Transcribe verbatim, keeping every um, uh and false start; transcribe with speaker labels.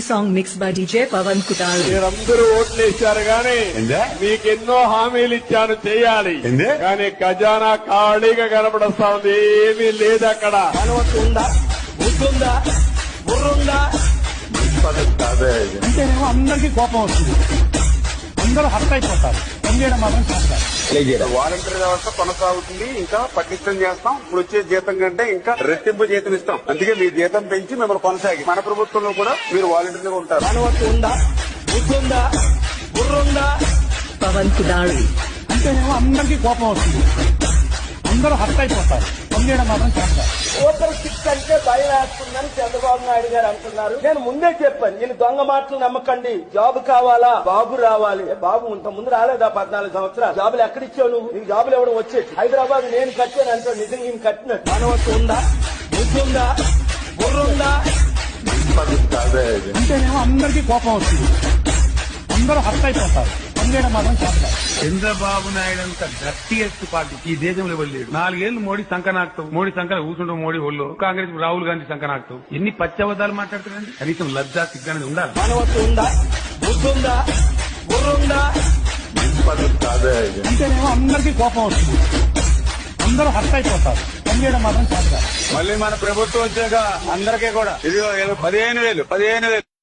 Speaker 1: song mixed by D J Pawan Kutal.
Speaker 2: మీరందరూ ఓట్లు వేశారు గాని మీకెన్నో హామీలు ఇచ్చాను చేయాలి కానీ ఖజానా ఖాళీగా కనబడస్తా ఉంది, ఏమీ లేదు అక్కడ.
Speaker 3: ఉందా బుద్ధుందా బుర్రుందా
Speaker 4: అంటేనేమో అందరికీ కోపం వస్తుంది, అందరూ హర్ట్ అయిపోతారు. పనిచేయడం మాత్రం చేస్తారు.
Speaker 5: వాలంటీర్ వ్యవస్థ కొనసాగుతుంది, ఇంకా పటిష్టం చేస్తాం. ఇప్పుడు వచ్చే జీతం కంటే ఇంకా రెట్టింపు జీతం ఇస్తాం. అందుకే మీ జీతం పెంచి మిమ్మల్ని కొనసాగి మన ప్రభుత్వంలో కూడా మీరు వాలంటీర్గా ఉంటారు.
Speaker 3: అనుమతి ఉందా బుద్ధుందా బుర్రుందా
Speaker 1: Pawan Kutal.
Speaker 4: అంటేనేమో అందరికీ కోపం వస్తుంది, అందరూ హర్ట్ అయిపోతారు. పనిచేయడం మాత్రం చేస్తారు.
Speaker 3: ఓటర్ సిక్స్ అంటే భయం వేస్తుందని చంద్రబాబు నాయుడు గారు అంటున్నారు. నేను ముందే చెప్పాను, నేను దొంగ మాటలు నమ్మకండి. జాబ్ కావాలా, బాబు రావాలి. బాబు ఇంత ముందు రాలేదా పద్నాలుగు సంవత్సరాలు? జాబులు ఎక్కడిచ్చావు నువ్వు? నీకు జాబులు ఇవ్వడం వచ్చేది. హైదరాబాద్ నేను కట్టాను అంటే నిజంగా నేను కట్టినట్టు. అనుమతి ఉందా బుద్ధుందా బుర్రుందా
Speaker 4: అంటేనేమో అందరికీ కోపం వస్తుంది, అందరూ హర్ట్ అయిపోతారు. పనిచేయడం మాత్రం చేస్తారు.
Speaker 6: చంద్రబాబు నాయుడు అంత గట్టియెస్ట్ పార్టీ ఈ దేశంలో ఇవ్వలేడు. నాలుగేళ్లు మోడీ సంకనాక్తం, మోడీ సంకన కూర్చుంటాం, మోడీ ఒళ్ళు. కాంగ్రెస్ రాహుల్ గాంధీ సంకనాక్తం. ఎన్ని పచ్చబద్దాలు మాట్లాడుతున్నారండి? కనీసం లజ్జా సిగ్గానే ఉండాలి.
Speaker 3: అనుమతి ఉందా బుద్ధుందా బుర్రుందా
Speaker 4: అంటేనేమో అందరికీ కోపం వస్తుంది, అందరూ హర్ట్ అయిపోతారు. పనిచేయడం మాత్రం చేస్తారు.
Speaker 5: మళ్ళీ మన ప్రభుత్వం వచ్చాక అందరికీ కూడా ఇది పదిహేను వేలు పదిహేను వేలు